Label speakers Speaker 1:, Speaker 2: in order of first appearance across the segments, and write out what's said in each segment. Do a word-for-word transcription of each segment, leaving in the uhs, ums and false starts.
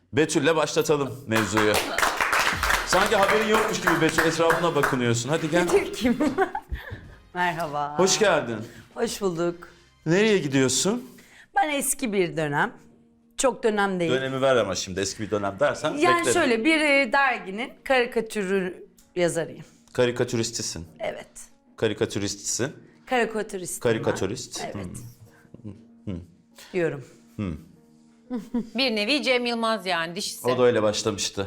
Speaker 1: Betül'le başlatalım mevzuyu. Sanki haberin yokmuş gibi Betül, etrafına bakınıyorsun. Hadi gel.
Speaker 2: Betül kim? Merhaba.
Speaker 1: Hoş geldin.
Speaker 2: Hoş bulduk.
Speaker 1: Nereye gidiyorsun?
Speaker 2: Ben eski bir dönem. Çok dönem değil.
Speaker 1: Dönemi ver ama şimdi, eski bir dönem dersen
Speaker 2: yani
Speaker 1: beklerim.
Speaker 2: şöyle bir e, derginin karikatürü yazarıyım.
Speaker 1: Karikatüristisin.
Speaker 2: Evet.
Speaker 1: Karikatüristsin.
Speaker 2: Karikatürist.
Speaker 1: Karikatürist.
Speaker 2: Evet.
Speaker 1: Hmm.
Speaker 2: Diyorum.
Speaker 3: Bir nevi Cem Yılmaz yani dişisi.
Speaker 1: O da öyle başlamıştı.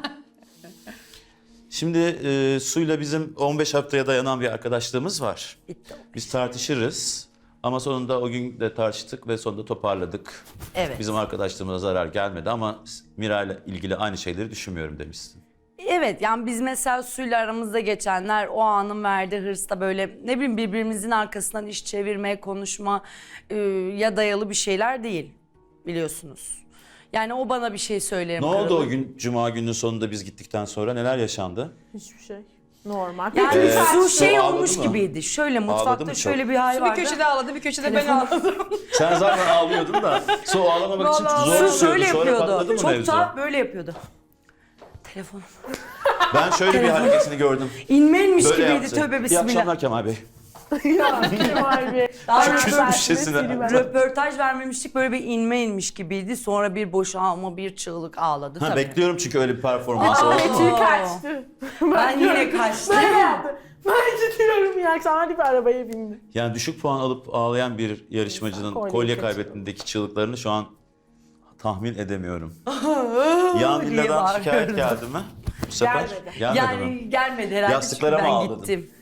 Speaker 1: Şimdi e, Su'yla bizim on beş haftaya dayanan bir arkadaşlığımız var.
Speaker 2: Bitti.
Speaker 1: Biz tartışırız ama sonunda o gün de tartıştık ve sonunda toparladık.
Speaker 2: Evet.
Speaker 1: Bizim arkadaşlığımıza zarar gelmedi ama Miray'la ilgili aynı şeyleri düşünmüyorum demişsin.
Speaker 2: Evet, yani biz mesela Su'yla aramızda geçenler o anın verdiği hırsla böyle ne bileyim birbirimizin arkasından iş çevirmeye, konuşma e, ya dayalı bir şeyler değil biliyorsunuz. Yani o bana bir şey söylerim.
Speaker 1: Ne oldu
Speaker 2: kırılır.
Speaker 1: o gün, Cuma gününün sonunda biz gittikten sonra neler yaşandı?
Speaker 4: Hiçbir şey. Normal.
Speaker 2: Yani
Speaker 1: Ee,
Speaker 2: Su şey
Speaker 1: Su ağladı
Speaker 2: olmuş
Speaker 1: mı?
Speaker 2: gibiydi. Şöyle
Speaker 1: Ağladı
Speaker 2: mutfakta
Speaker 1: mı
Speaker 2: şöyle
Speaker 1: çok?
Speaker 2: bir hal
Speaker 3: Bir
Speaker 2: vardı.
Speaker 3: köşede ağladı, bir köşede ben ağladım.
Speaker 1: Sen zaten ağlıyordun da Su ağlamamak için
Speaker 3: Vallahi
Speaker 1: zor
Speaker 2: Su
Speaker 1: tutuyordu.
Speaker 2: şöyle
Speaker 1: Sonra patladı
Speaker 2: yapıyordu.
Speaker 1: mı
Speaker 2: Çok
Speaker 1: mevzu?
Speaker 2: da böyle yapıyordu. Telefonum.
Speaker 1: Ben şöyle bir hareketini gördüm.
Speaker 2: İnmeymiş
Speaker 1: Böyle
Speaker 2: gibiydi,
Speaker 1: yaptı.
Speaker 2: tövbe
Speaker 1: İyi
Speaker 2: bismillah.
Speaker 1: akşamlar Kemal Bey.
Speaker 4: Ya Kemal Bey.
Speaker 2: Daha
Speaker 1: Şu
Speaker 2: röportaj-
Speaker 1: küsmüş şişesine.
Speaker 2: Röportaj vermemiştik, böyle bir inme inmiş gibiydi. Sonra bir boşalma, bir çığlık ağladı
Speaker 1: Ha,
Speaker 2: tabii.
Speaker 1: bekliyorum çünkü öyle bir performans
Speaker 2: Aa,
Speaker 1: oldu.
Speaker 4: Betül kaçtı.
Speaker 2: Ben yine kaçtım.
Speaker 4: Ben yaptım. Ben gidiyorum ya. Akşam hadi bir arabaya bindi.
Speaker 1: Yani düşük puan alıp ağlayan bir yarışmacının
Speaker 4: Kolye
Speaker 1: kolye
Speaker 4: kaçırdı.
Speaker 1: kaybettiğindeki çığlıklarını şu an tahmin edemiyorum.
Speaker 2: diye
Speaker 1: Yan villadan
Speaker 2: bağırıyordu.
Speaker 1: şikayet geldi mi? Bu sefer
Speaker 4: Gelmedi.
Speaker 1: gelmedi
Speaker 2: Yani
Speaker 1: mi?
Speaker 2: gelmedi herhalde
Speaker 1: Yastıklara
Speaker 2: çünkü
Speaker 1: mı
Speaker 2: ben
Speaker 1: ağladın?
Speaker 2: gittim.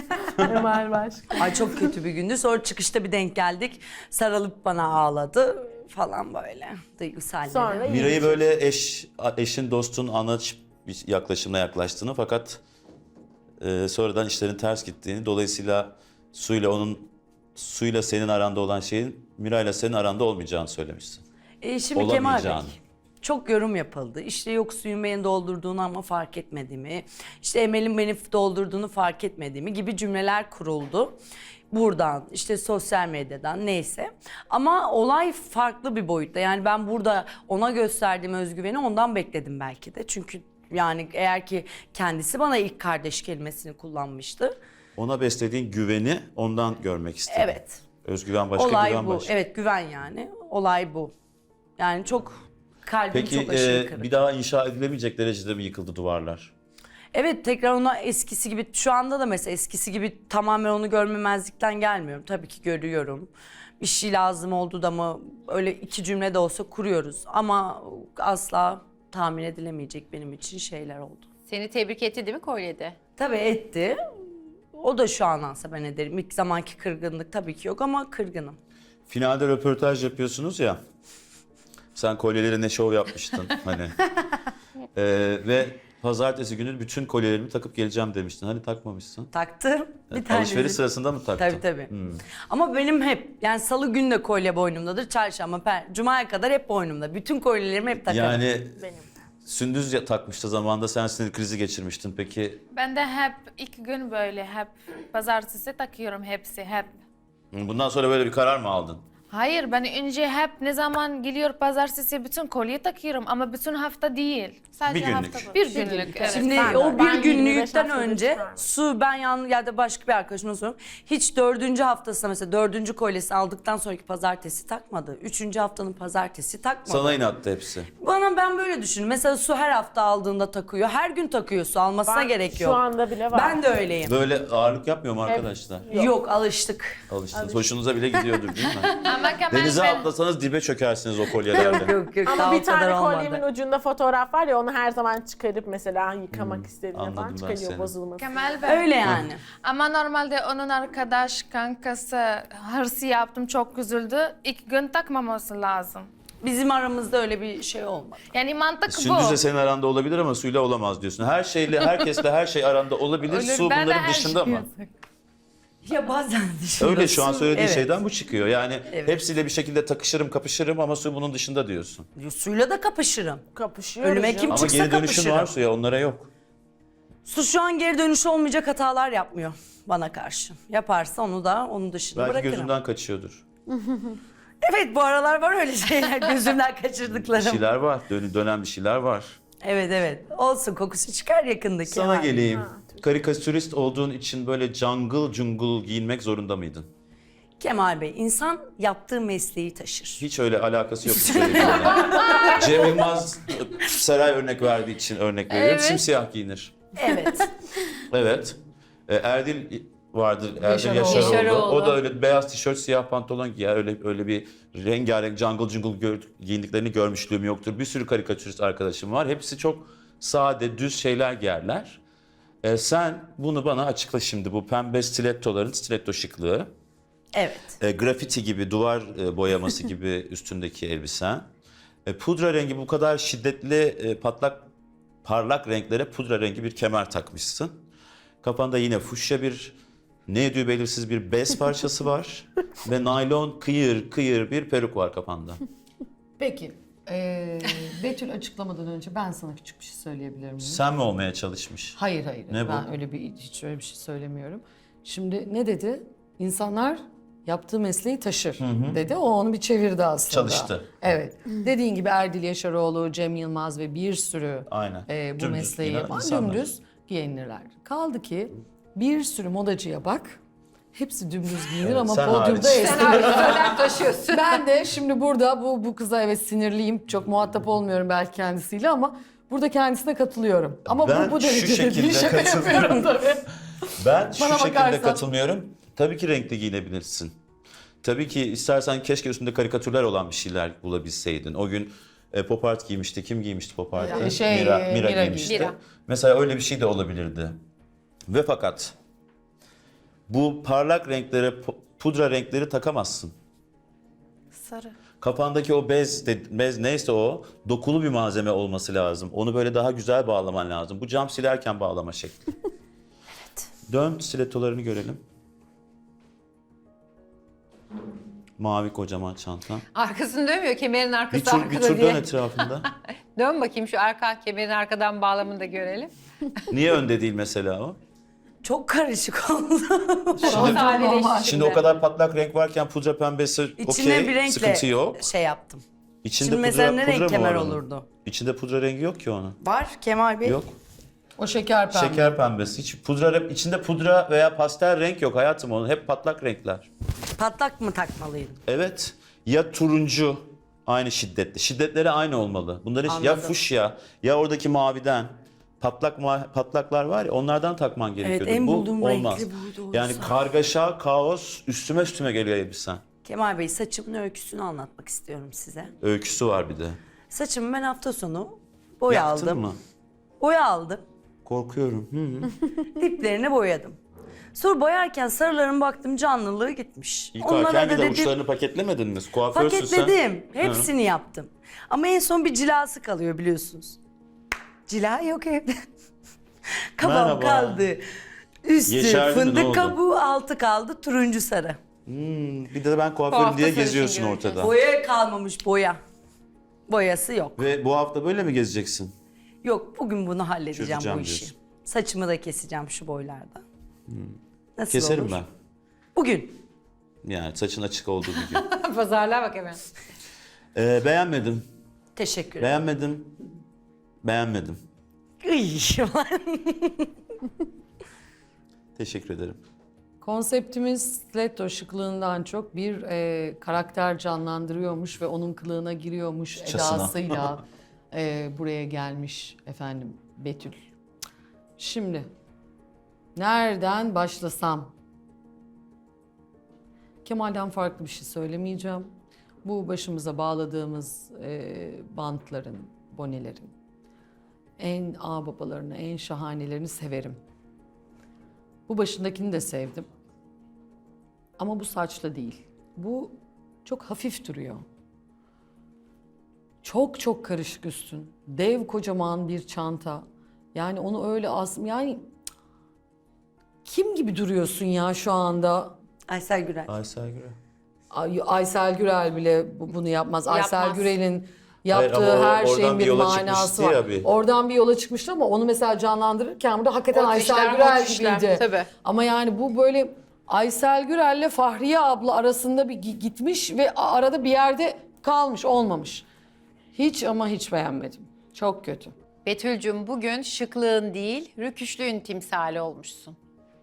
Speaker 4: Kemal başka.
Speaker 2: Ay çok kötü bir gündü. Sonra çıkışta bir denk geldik. Sarılıp bana ağladı falan böyle. Duygusal.
Speaker 4: Sonra iyi.
Speaker 1: Miray'ı böyle eş, eşin, dostun anlatıp bir yaklaşımla yaklaştığını fakat e, sonradan işlerin ters gittiğini, dolayısıyla Su'yla onun Su'yla senin aranda olan şeyin Miray'la senin aranda olmayacağını söylemişsin.
Speaker 2: E, şimdi Kemal Bey,
Speaker 1: Olamayacağını.
Speaker 2: çok yorum yapıldı. İşte yok suyun beni doldurduğunu ama fark etmediğimi, işte Emel'in beni doldurduğunu fark etmediğimi gibi cümleler kuruldu. Buradan, işte sosyal medyadan neyse. Ama olay farklı bir boyutta. Yani ben burada ona gösterdiğim özgüveni ondan bekledim belki de. Çünkü yani eğer ki kendisi bana ilk kardeş kelimesini kullanmıştı.
Speaker 1: Ona beslediğin güveni ondan görmek istedim.
Speaker 2: Evet.
Speaker 1: Özgüven başka,
Speaker 2: Olay
Speaker 1: güven
Speaker 2: bu.
Speaker 1: başka.
Speaker 2: Evet, güven yani. Olay bu. Yani çok kalbim
Speaker 1: Peki
Speaker 2: çok aşırı
Speaker 1: e,
Speaker 2: kırık.
Speaker 1: bir daha inşa edilemeyecek derecede mi yıkıldı duvarlar?
Speaker 2: Evet, tekrar ona eskisi gibi, şu anda da mesela eskisi gibi tamamen onu görmemezlikten gelmiyorum. Tabii ki görüyorum. Bir şey lazım oldu da mı öyle iki cümle de olsa kuruyoruz. Ama asla tahmin edilemeyecek benim için şeyler oldu.
Speaker 3: Seni tebrik etti değil mi kolyede?
Speaker 2: Tabii etti. O da şu an alsa ben ederim. İlk zamanki kırgınlık tabii ki yok ama kırgınım.
Speaker 1: Finalde röportaj yapıyorsunuz ya. Sen kolyeleri ne şov yapmıştın hani. Ee, ve pazartesi günü bütün kolyelerimi takıp geleceğim demiştin. Hani takmamışsın.
Speaker 2: Taktım. Bir tane.
Speaker 1: Alışveriş sırasında mı taktın?
Speaker 2: Tabii tabii.
Speaker 1: Hmm.
Speaker 2: Ama benim hep yani salı günü de kolye boynumdadır. Çarşamba, per, cumaya kadar hep boynumda. Bütün kolyelerimi hep takarım.
Speaker 1: Yani
Speaker 4: Benim.
Speaker 1: Sündüz ya- takmıştı zamanında, sen sinir krizi geçirmiştin. Peki
Speaker 5: Ben de hep iki gün böyle hep pazartesi takıyorum hepsi hep.
Speaker 1: bundan sonra böyle bir karar mı aldın?
Speaker 5: Hayır ben önce hep ne zaman geliyor pazartesi bütün kolye takıyorum ama bütün hafta değil.
Speaker 1: Bir günlük.
Speaker 5: Bir günlük evet.
Speaker 2: Şimdi
Speaker 4: Ben de
Speaker 2: o
Speaker 4: öyle.
Speaker 2: bir
Speaker 4: Ben yirmi beş
Speaker 2: günlükten
Speaker 4: haftadır
Speaker 2: önce
Speaker 4: çıkardım.
Speaker 2: Su ben yan ya da başka bir arkadaşıma soruyorum. Hiç dördüncü haftasında mesela dördüncü kolyesi aldıktan sonraki pazartesi takmadı. Üçüncü haftanın pazartesi takmadı.
Speaker 1: Sana inattı hepsi.
Speaker 2: Bana ben böyle düşünüyorum. Mesela Su her hafta aldığında takıyor. Her gün takıyor, Su almasına
Speaker 4: Ben
Speaker 2: gerek yok.
Speaker 4: Şu anda bile var.
Speaker 2: Ben de öyleyim.
Speaker 1: Böyle ağırlık yapmıyor mu arkadaşlar?
Speaker 2: Yok. alıştık.
Speaker 1: Alıştınız. Hoşunuza bile gidiyordur değil mi?
Speaker 5: Ama Kemal
Speaker 1: Denize
Speaker 5: ben,
Speaker 1: atlasanız dibe çökersiniz o kolyelerle.
Speaker 2: Yok yok daha
Speaker 4: Ama
Speaker 2: o
Speaker 4: bir
Speaker 2: kadar
Speaker 4: tane
Speaker 2: olmadı.
Speaker 4: kolyemin ucunda fotoğraf var ya onu her zaman çıkarıp mesela yıkamak istediğinde
Speaker 1: anladım
Speaker 4: falan
Speaker 1: ben
Speaker 4: çıkarıyor
Speaker 1: seni.
Speaker 4: bozulması.
Speaker 5: Kemal ben.
Speaker 2: Öyle yani.
Speaker 5: Ama normalde onun arkadaş kankası hırsı yaptım çok üzüldü. İlk gün takmaması lazım.
Speaker 2: Bizim aramızda öyle bir şey olmadı.
Speaker 5: Yani mantık bu.
Speaker 1: Sündüz'le senin aranda olabilir ama Su'yla olamaz diyorsun. Her şeyle, herkesle her şey aranda olabilir.
Speaker 5: Olur,
Speaker 1: Su
Speaker 5: ben de
Speaker 1: bunların
Speaker 5: her
Speaker 1: dışında
Speaker 5: şeyi
Speaker 1: mı?
Speaker 2: Ya bazen dışında.
Speaker 1: Öyle şu an
Speaker 2: Su-
Speaker 1: söylediğin
Speaker 2: evet.
Speaker 1: şeyden bu çıkıyor. Yani
Speaker 2: Evet.
Speaker 1: hepsiyle bir şekilde takışırım, kapışırım ama Su bunun dışında diyorsun.
Speaker 2: Suyla da kapışırım.
Speaker 4: Kapışıyoruz.
Speaker 2: Önüme
Speaker 4: ya.
Speaker 2: kim
Speaker 1: Ama
Speaker 2: çıksa
Speaker 1: geri dönüşün
Speaker 2: kapışırım.
Speaker 1: var Su'ya, onlara yok.
Speaker 2: Su şu an geri dönüşü olmayacak hatalar yapmıyor bana karşı. Yaparsa onu da onun dışında
Speaker 1: Belki
Speaker 2: bırakırım.
Speaker 1: gözünden kaçıyordur.
Speaker 2: Evet, bu aralar var öyle şeyler gözümden
Speaker 1: Bir
Speaker 2: kaçırdıklarım.
Speaker 1: şeyler var. Dön, dönen bir şeyler var.
Speaker 2: Evet evet. Olsun, kokusu çıkar yakındaki.
Speaker 1: Sana
Speaker 2: hali.
Speaker 1: geleyim. Karikatürist olduğun için böyle jungle jungle giyinmek zorunda mıydın?
Speaker 2: Kemal Bey, insan yaptığı mesleği taşır.
Speaker 1: Hiç öyle alakası yok. Cem Yılmaz Seray örnek verdiği için örnek veriyorum.
Speaker 5: Evet.
Speaker 1: Simsiyah giyinir.
Speaker 2: Evet.
Speaker 1: Evet. E, Erdil vardır. Erdil
Speaker 5: Yaşaroğlu.
Speaker 1: Yaşaroğlu.
Speaker 3: Yaşaroğlu.
Speaker 1: O da öyle beyaz tişört, siyah pantolon giyer. Öyle öyle bir rengarenk jungle jungle gör, giyindiklerini görmüşlüğüm yoktur. Bir sürü karikatürist arkadaşım var. Hepsi çok sade, düz şeyler giyerler. E, sen bunu bana açıkla şimdi. Bu pembe stilettoların stiletto şıklığı.
Speaker 2: Evet.
Speaker 1: E, grafiti gibi, duvar e, boyaması gibi üstündeki elbisen. E, pudra rengi bu kadar şiddetli, e, patlak, parlak renklere pudra rengi bir kemer takmışsın. Kafanda yine fuşya bir, ne ediyor belirsiz bir bez parçası var. Ve naylon kıyır kıyır bir peruk var kafanda.
Speaker 6: Peki, eee Betül açıklamadan önce ben sana küçük bir şey söyleyebilir miyim?
Speaker 1: Sen mi olmaya çalışmış?
Speaker 6: Hayır hayır,
Speaker 1: Ne bu?
Speaker 6: ben öyle bir hiç öyle bir şey söylemiyorum. Şimdi ne dedi? İnsanlar yaptığı mesleği taşır dedi. O onu bir çevirdi aslında.
Speaker 1: Çalıştı.
Speaker 6: Evet. Dediğin gibi Erdil Yaşaroğlu, Cem Yılmaz ve bir sürü
Speaker 1: Aynen.
Speaker 6: e, bu
Speaker 1: Dümdüz
Speaker 6: mesleği
Speaker 1: giyinen
Speaker 6: yapan
Speaker 1: insanlar.
Speaker 6: dümdüz giyinirler. Kaldı ki bir sürü modacıya bak. Hepsi dümdüz giyinir
Speaker 1: Evet,
Speaker 6: ama
Speaker 1: sen
Speaker 6: podyumda
Speaker 1: hariç.
Speaker 6: esnilir.
Speaker 3: Önem taşıyorsun.
Speaker 6: Ben de şimdi burada bu bu kıza evet sinirliyim. Çok muhatap olmuyorum belki kendisiyle ama burada kendisine katılıyorum. Ama
Speaker 1: Ben
Speaker 6: bu bu
Speaker 1: şu
Speaker 6: derecede değil.
Speaker 1: şekilde
Speaker 6: Şaka
Speaker 1: katılıyorum.
Speaker 6: yapıyorum tabii.
Speaker 1: Ben şu
Speaker 6: Bana
Speaker 1: şekilde
Speaker 6: bakarsan-
Speaker 1: katılmıyorum. Tabii ki renkli giyinebilirsin. Tabii ki istersen keşke üstünde karikatürler olan bir şeyler bulabilseydin. O gün e, pop art giymişti. Kim giymişti pop art'ı?
Speaker 6: Ya, şey,
Speaker 1: Mira,
Speaker 6: e,
Speaker 1: Mira
Speaker 6: Mira
Speaker 1: giymişti.
Speaker 3: Mira.
Speaker 1: Mesela öyle bir şey de olabilirdi. Ve fakat bu parlak renklere, pu- pudra renkleri takamazsın.
Speaker 5: Sarı.
Speaker 1: Kafandaki o bez, de- bez neyse o dokulu bir malzeme olması lazım. Onu böyle daha güzel bağlaman lazım. Bu cam silerken bağlama şekli. Evet. Dön stilettolarını görelim. Mavi kocaman çantan.
Speaker 3: Arkasını dönmüyor, kemerin
Speaker 1: Bir
Speaker 3: arkası
Speaker 1: tur, bir
Speaker 3: arkada
Speaker 1: tur
Speaker 3: diye.
Speaker 1: dön etrafında.
Speaker 3: Dön bakayım şu arka kemerin arkadan bağlamını da görelim.
Speaker 1: Niye önde değil mesela o?
Speaker 2: Çok karışık oldu.
Speaker 3: O sadeleşti
Speaker 1: Şimdi
Speaker 3: şimdi.
Speaker 1: o kadar patlak renk varken pudra pembesi
Speaker 2: İçine
Speaker 1: okey,
Speaker 2: bir renkle
Speaker 1: sıkıntı yok.
Speaker 2: şey yaptım.
Speaker 1: İçinde
Speaker 2: Şimdi mesela ne renk
Speaker 1: mı
Speaker 2: kemer
Speaker 1: var onun?
Speaker 2: olurdu?
Speaker 1: İçinde pudra rengi yok ki onun.
Speaker 2: Var Kemal Bey.
Speaker 1: Yok.
Speaker 6: O şeker pembe.
Speaker 1: Şeker pembesi. Hiç pudra, içinde pudra veya pastel renk yok hayatım onun. Hep patlak renkler.
Speaker 2: Patlak mı takmalıydım?
Speaker 1: Evet. Ya turuncu aynı şiddetli. Şiddetleri aynı olmalı. Bunların ya
Speaker 2: Anladım.
Speaker 1: fuşya ya oradaki maviden patlak ma- patlaklar var ya onlardan takman gerekiyordu.
Speaker 2: en
Speaker 1: Bu
Speaker 2: bulduğum
Speaker 1: olmaz.
Speaker 2: renkli buydu oysa.
Speaker 1: Yani kargaşa, kaos üstüme üstüme geliyor elbisen.
Speaker 2: Kemal Bey, saçımın öyküsünü anlatmak istiyorum size.
Speaker 1: Öyküsü var bir de.
Speaker 2: Saçımı ben hafta sonu boya
Speaker 1: Yaktın
Speaker 2: aldım.
Speaker 1: mı?
Speaker 2: Boya aldım.
Speaker 1: Korkuyorum. Hı.
Speaker 2: Diplerini boyadım. Sonra boyarken sarıların baktım canlılığı gitmiş.
Speaker 1: Yıkarken
Speaker 2: Onlara
Speaker 1: bir
Speaker 2: da
Speaker 1: de
Speaker 2: dedim
Speaker 1: uçlarını paketlemedin mi? Kuaförsün sen.
Speaker 2: paketledim. Hepsini yaptım. Ama en son bir cilası kalıyor biliyorsunuz. Cila yok evde. Kabam
Speaker 1: Merhaba.
Speaker 2: kaldı. Üstü
Speaker 1: Yeşerdi mi, ne
Speaker 2: fındık
Speaker 1: oldu?
Speaker 2: kabuğu, altı kaldı turuncu sarı.
Speaker 1: Hmm, bir de ben
Speaker 3: Bu
Speaker 1: kuaförüm
Speaker 3: hafta
Speaker 1: diye
Speaker 3: sarışın
Speaker 1: geziyorsun
Speaker 3: göreceğiz.
Speaker 1: ortada.
Speaker 2: Boya kalmamış boya. Boyası yok.
Speaker 1: Ve bu hafta böyle mi gezeceksin?
Speaker 2: Yok, bugün bunu halledeceğim
Speaker 1: Çözeceğim
Speaker 2: bu işi.
Speaker 1: diyorsun.
Speaker 2: Saçımı da keseceğim şu boylarda. Nasıl
Speaker 1: Keserim
Speaker 2: olur?
Speaker 1: ben.
Speaker 2: Bugün.
Speaker 1: Yani saçın açık olduğu bir gün.
Speaker 3: Pazarlığa bak hemen.
Speaker 1: Ee, beğenmedim.
Speaker 2: Teşekkür ederim.
Speaker 1: Beğenmedim. Beğenmedim.
Speaker 2: Iy.
Speaker 1: Teşekkür ederim.
Speaker 6: Konseptimiz stiletto şıklığından çok bir e, karakter canlandırıyormuş ve onun kılığına giriyormuş
Speaker 1: Çasına.
Speaker 6: edasıyla e, buraya gelmiş efendim Betül. Şimdi nereden başlasam? Kemal'den farklı bir şey söylemeyeceğim. Bu başımıza bağladığımız e, bantların, bonelerin en ağababalarını, en şahanelerini severim. Bu başındakini de sevdim. Ama bu saçla değil. Bu çok hafif duruyor. Çok çok karışık üstün. Dev kocaman bir çanta. Yani onu öyle as... Yani kim gibi duruyorsun ya şu anda?
Speaker 2: Aysel Gürel.
Speaker 1: Aysel Gürel.
Speaker 6: Ay- Aysel Gürel bile bu- bunu yapmaz. Aysel
Speaker 3: Yapmaz.
Speaker 6: Gürel'in
Speaker 1: Hayır,
Speaker 6: yaptığı
Speaker 1: ama o-
Speaker 6: her
Speaker 1: oradan
Speaker 6: şeyin
Speaker 1: bir
Speaker 6: bir
Speaker 1: yola
Speaker 6: manası
Speaker 1: çıkmıştı
Speaker 6: var.
Speaker 1: ya bir.
Speaker 6: Oradan bir yola çıkmıştı ama onu mesela canlandırırken burada hakikaten
Speaker 3: O
Speaker 6: Aysel
Speaker 3: işler,
Speaker 6: Gürel
Speaker 3: o işler,
Speaker 6: gibiydi.
Speaker 3: tabii.
Speaker 6: Ama yani bu böyle Aysel Gürel'le Fahriye abla arasında bir gi- gitmiş ve a- arada bir yerde kalmış, olmamış. Hiç ama hiç beğenmedim. Çok kötü.
Speaker 3: Betül'cüm bugün şıklığın değil, rüküşlüğün timsali olmuşsun.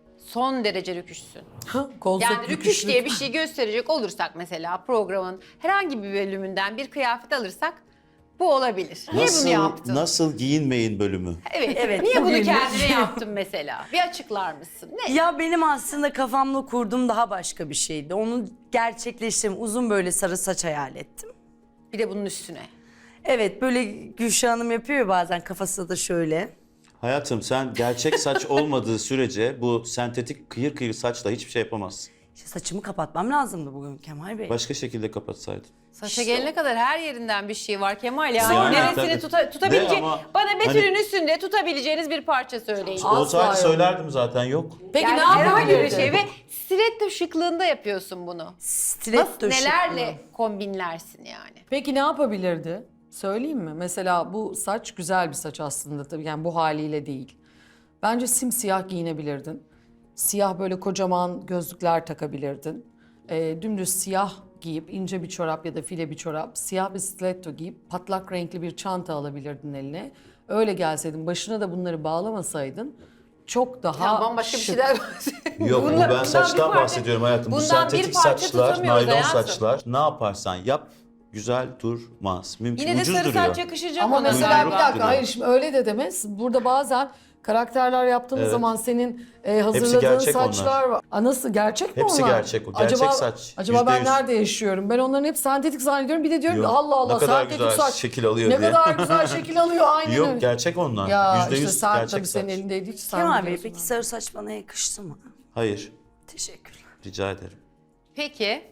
Speaker 3: Son derece rüküşsün.
Speaker 6: Ha, kolsuz
Speaker 3: Yani rüküş
Speaker 6: rüküşlük.
Speaker 3: diye bir şey gösterecek olursak mesela programın herhangi bir bölümünden bir kıyafet alırsak bu olabilir. Niye
Speaker 1: Nasıl,
Speaker 3: bunu yaptın?
Speaker 1: nasıl giyinmeyin bölümü.
Speaker 3: Evet.
Speaker 2: Evet,
Speaker 3: Niye bunu
Speaker 2: bugün-
Speaker 3: kendine yaptın mesela? Bir açıklar mısın? Ne?
Speaker 2: Ya benim aslında kafamda kurduğum daha başka bir şeydi. Onu gerçekleştirdim. Uzun böyle sarı saç hayal ettim.
Speaker 3: Bir de bunun üstüne.
Speaker 2: Evet, böyle Gülşah Hanım yapıyor ya bazen, kafası da şöyle.
Speaker 1: Hayatım sen gerçek saç olmadığı sürece bu sentetik kıyır kıyır saçla hiçbir şey yapamazsın.
Speaker 2: İşte saçımı kapatmam lazımdı bugün Kemal Bey.
Speaker 1: Başka şekilde kapatsaydın.
Speaker 3: Saça gelene kadar her yerinden bir şey var Kemal. Yani,
Speaker 1: Yani
Speaker 3: neresini
Speaker 1: tabii.
Speaker 3: tuta, tutabilecek,
Speaker 1: De ama
Speaker 3: bana Betül'ün
Speaker 1: hani-
Speaker 3: üstünde tutabileceğiniz bir parça söyleyin.
Speaker 6: Asla
Speaker 1: Olsaydı
Speaker 6: yok.
Speaker 1: söylerdim zaten, yok.
Speaker 6: Peki
Speaker 3: Yani
Speaker 6: ne
Speaker 3: herhangi bir
Speaker 6: yapabilirdin?
Speaker 3: şey ve stiletto şıklığında yapıyorsun bunu.
Speaker 2: Stiletto
Speaker 3: Nasıl, nelerle
Speaker 2: şıklığı.
Speaker 3: kombinlersin yani?
Speaker 6: Peki ne yapabilirdi? Söyleyeyim mi? Mesela bu saç güzel bir saç aslında tabii, yani bu haliyle değil. Bence simsiyah giyinebilirdin. Siyah böyle kocaman gözlükler takabilirdin. Ee, dümdüz siyah giyip ince bir çorap ya da file bir çorap, siyah bir stiletto giyip patlak renkli bir çanta alabilirdin eline. Öyle gelseydin, başına da bunları bağlamasaydın çok daha
Speaker 3: Ya bambaşka bir
Speaker 6: şık.
Speaker 3: şeyler bahsediyorum.
Speaker 1: Yok, bu
Speaker 3: Bundan-
Speaker 1: ben
Speaker 3: bundan
Speaker 1: saçtan
Speaker 3: bir parça-
Speaker 1: bahsediyorum hayatım. Bu
Speaker 3: bundan bir
Speaker 1: sentetik
Speaker 3: parça
Speaker 1: saçlar,
Speaker 3: tutamıyoruz
Speaker 1: naylon
Speaker 3: hayatım.
Speaker 1: saçlar. Ne yaparsan yap güzel durmaz. Mümkün,
Speaker 3: Yine de
Speaker 1: ucuz
Speaker 3: sarı
Speaker 1: duruyor.
Speaker 3: saç yakışacak
Speaker 6: Ama
Speaker 3: ona
Speaker 6: mesela
Speaker 3: galiba.
Speaker 6: bir dakika,
Speaker 1: duruyor.
Speaker 6: hayır şimdi öyle de demez. Burada bazen karakterler yaptığımız
Speaker 1: Evet.
Speaker 6: zaman senin e, hazırladığın
Speaker 1: gerçek
Speaker 6: saçlar
Speaker 1: onlar.
Speaker 6: var. Aa, nasıl, gerçek mi
Speaker 1: Hepsi
Speaker 6: onlar?
Speaker 1: gerçek o, gerçek
Speaker 6: acaba,
Speaker 1: saç,
Speaker 6: Acaba
Speaker 1: yüzde
Speaker 6: ben
Speaker 1: yüz.
Speaker 6: nerede yaşıyorum? Ben onların hep sentetik zannediyorum. Bir de diyorum ki
Speaker 1: Yok,
Speaker 6: Allah Allah
Speaker 1: ne kadar
Speaker 6: sentetik
Speaker 1: güzel
Speaker 6: saç.
Speaker 1: şekil alıyor
Speaker 6: ne
Speaker 1: diye.
Speaker 6: kadar güzel şekil alıyor, aynen öyle.
Speaker 1: Yok, gerçek onlar.
Speaker 6: Ya
Speaker 1: Yüzde
Speaker 6: işte
Speaker 1: yüz
Speaker 6: sen
Speaker 1: gerçek
Speaker 6: tabii
Speaker 1: saç.
Speaker 6: senin elindeydi, hiç sen
Speaker 2: Kemal Bey,
Speaker 6: biliyorsun.
Speaker 2: peki sarı saç bana yakıştı mı?
Speaker 1: Hayır,
Speaker 2: Teşekkürler.
Speaker 1: rica ederim.
Speaker 3: Peki,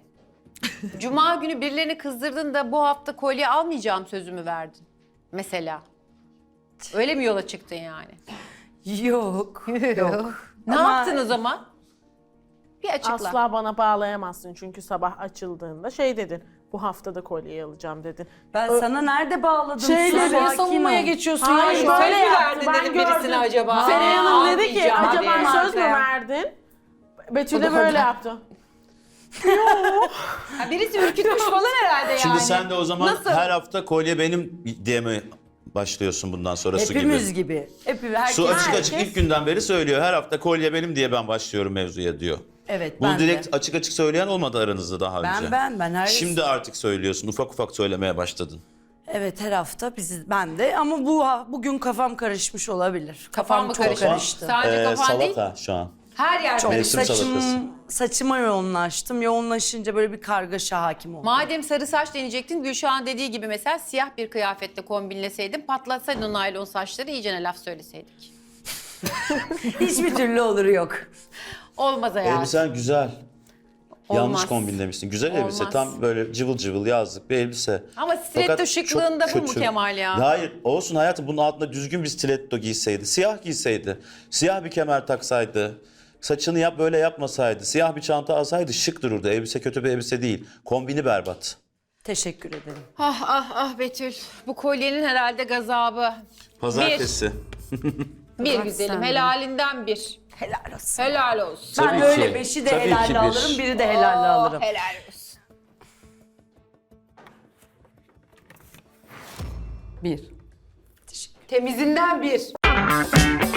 Speaker 3: Cuma günü birilerini kızdırdın da bu hafta kolye almayacağım sözümü verdin. Mesela. Öyle mi yola çıktın yani?
Speaker 2: Yok. Yok.
Speaker 3: Ne
Speaker 2: Ama-
Speaker 3: yaptın o zaman? Bir açıkla.
Speaker 4: Asla bana bağlayamazsın çünkü sabah açıldığında şey dedin. Bu hafta da kolyeyi alacağım dedin.
Speaker 2: Ben
Speaker 4: Ö-
Speaker 2: sana nerede bağladım?
Speaker 4: Şeyleri
Speaker 2: Sakin
Speaker 6: Niye
Speaker 2: ol.
Speaker 6: savunmaya geçiyorsun
Speaker 4: Hayır,
Speaker 6: ya?
Speaker 4: böyle
Speaker 3: Söz mü
Speaker 4: yaptı,
Speaker 3: verdin
Speaker 4: ben
Speaker 3: dedim birisine
Speaker 4: gördüm.
Speaker 3: acaba?
Speaker 4: Seren Hanım dedi ki
Speaker 3: Almayacağım
Speaker 4: acaba
Speaker 3: diye.
Speaker 4: söz mü verdin? Betül
Speaker 6: O
Speaker 4: de
Speaker 6: da
Speaker 4: böyle
Speaker 6: kadar.
Speaker 4: yaptı.
Speaker 3: Ha, birisi ürkütmüş falan herhalde yani.
Speaker 1: Şimdi sen de o zaman
Speaker 3: Nasıl?
Speaker 1: her hafta kolye benim diye mi başlıyorsun bundan sonra su gibi?
Speaker 2: Hepimiz gibi. Hepimiz, herkes.
Speaker 1: Su açık açık
Speaker 4: herkes-
Speaker 1: ilk günden beri söylüyor. Her hafta kolye benim diye ben başlıyorum mevzuya diyor.
Speaker 2: Evet,
Speaker 1: Bunu
Speaker 2: ben
Speaker 1: direkt
Speaker 2: de.
Speaker 1: açık açık söyleyen olmadı aranızda daha
Speaker 2: Ben,
Speaker 1: önce.
Speaker 2: ben, ben her
Speaker 1: Şimdi artık söylüyorsun. Ufak ufak söylemeye başladın.
Speaker 2: Evet, her hafta biz, ben de, ama bu bugün kafam karışmış olabilir.
Speaker 3: Kafan mı
Speaker 2: çok
Speaker 3: karışmış?
Speaker 2: karıştı.
Speaker 3: Sadece
Speaker 1: Ee,
Speaker 3: kafan değil,
Speaker 1: salata şu an.
Speaker 3: her yer
Speaker 2: Çok
Speaker 3: karıştı.
Speaker 1: Mevsim salatası.
Speaker 2: saçım, saçıma yoğunlaştım. Yoğunlaşınca böyle bir kargaşa hakim oldu.
Speaker 3: Madem sarı saç deneyecektin, Gülşah'ın dediği gibi mesela siyah bir kıyafetle kombinleseydin, patlatsaydın o naylon saçları, iyicene laf söyleseydik.
Speaker 2: Hiçbir türlü olur yok.
Speaker 3: Olmaz hayatım.
Speaker 1: Elbisen güzel. Yanlış
Speaker 3: Olmaz.
Speaker 1: kombinlemişsin. Güzel elbise.
Speaker 3: Olmaz.
Speaker 1: Tam böyle cıvıl cıvıl yazlık bir elbise.
Speaker 3: Ama stiletto
Speaker 1: Fakat
Speaker 3: şıklığında
Speaker 1: çok
Speaker 3: bu mu
Speaker 1: kötü.
Speaker 3: Kemal ya?
Speaker 1: Hayır. Olsun hayatım, bunun altında düzgün bir stiletto giyseydi. Siyah giyseydi. Siyah bir kemer taksaydı. Saçını yap böyle yapmasaydı. Siyah bir çanta alsaydı şık dururdu. Elbise kötü bir elbise değil. Kombini berbat.
Speaker 2: Teşekkür ederim.
Speaker 3: Ah ah ah Betül. Bu kolyenin herhalde gazabı.
Speaker 1: Pazartesi.
Speaker 3: Bir
Speaker 2: Bırak
Speaker 3: güzelim,
Speaker 2: sen de.
Speaker 3: helalinden bir.
Speaker 2: Helal olsun.
Speaker 3: Helal olsun.
Speaker 2: Ben
Speaker 1: Tabii
Speaker 2: böyle
Speaker 1: ki.
Speaker 2: beşi de
Speaker 1: Tabii ki
Speaker 2: helalle
Speaker 1: bir.
Speaker 2: alırım, biri de helalle
Speaker 3: Oh,
Speaker 2: alırım.
Speaker 3: helal olsun.
Speaker 6: Bir.
Speaker 3: Temizinden bir.